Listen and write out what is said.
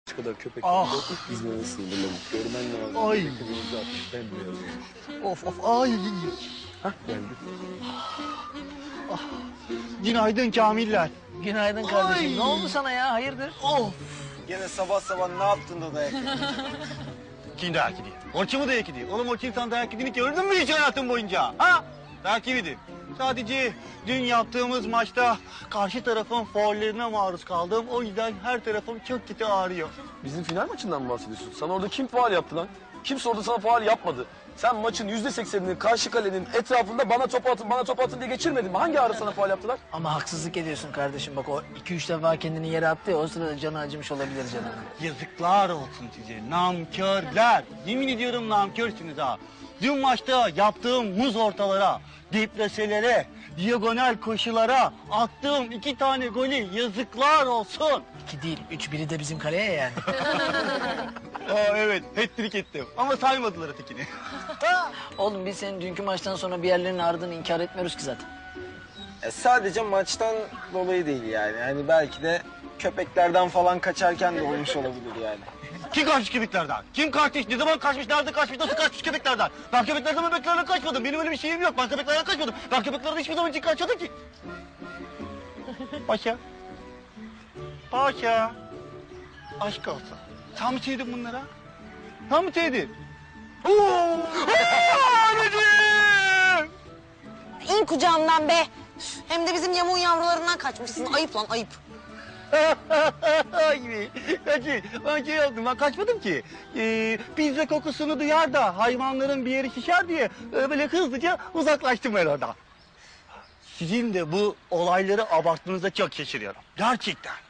kadar köpek İzmir sığdırmadık. Görmen lazım. Ay. Kıvırcık atmış, bembeyaz olmuş. Of ay. Hah geldi. Günaydın Kamiller. Günaydın kardeşim. Ay. Ne oldu sana ya? Hayırdır? Of. Gene sabah sabah ne yaptın da dayak yedin? Kim dayak yedi? Orçun mu dayak yedi? Oğlum Orçun sen dayak yediğini gördün mü hiç hayatın boyunca? Ha? Dayak yemedi. Sadece dün yaptığımız maçta karşı tarafın faullerine maruz kaldım. O yüzden her tarafım çok kötü ağrıyor. Bizim final maçından mı bahsediyorsun? Sana orada kim faul yaptı lan? Kimse orada sana faul yapmadı. Sen maçın %80'ini karşı kalenin etrafında bana top atın diye geçirmedin mi? Hangi ara sana faul yaptılar? Ama haksızlık ediyorsun kardeşim. Bak o 2-3 defa kendini yere attı ya. O sırada canı acımış olabilir canım. Yazıklar olsun size namkörler. Yemin ediyorum namkörsünüz ha. Dün maçta yaptığım muz ortalara, depreselere, diagonal koşulara attığım 2 tane golü yazıklar olsun. 2 değil, 3 biri de bizim kaleye yani. Aa evet, hat-trick ettim ama saymadılar ötekini. Oğlum biz senin dünkü maçtan sonra bir yerlerin ağrıdığını inkar etmiyoruz ki zaten. Sadece maçtan dolayı değil yani. Hani belki de köpeklerden falan kaçarken de olmuş olabilir yani. Kim kaçmış köpeklerden? Kim kaçmış? Ne zaman kaçmış? Nerede kaçmış? Nasıl kaçmış köpeklerden? Ben köpeklerden kaçmadım. Benim öyle bir şeyim yok. Ben köpeklerden kaçmadım. Ben köpeklerden hiçbir zaman için kaçmadım ki. Paşa. Paşa. Aşk olsun. Sen mi sevdin bunlara? Sen mi sevdin? Oo! Anneciğim! İn kucağımdan be. Hem de bizim yamuğun yavrularından kaçmışsın. Ayıp lan ayıp. Gibi. Ben şey yaptım, ben kaçmadım ki. Pizza kokusunu duyar da hayvanların bir yeri şişer diye böyle hızlıca uzaklaştım ben oradan. Sizin de bu olayları abarttığınızda çok şaşırıyorum. Gerçekten.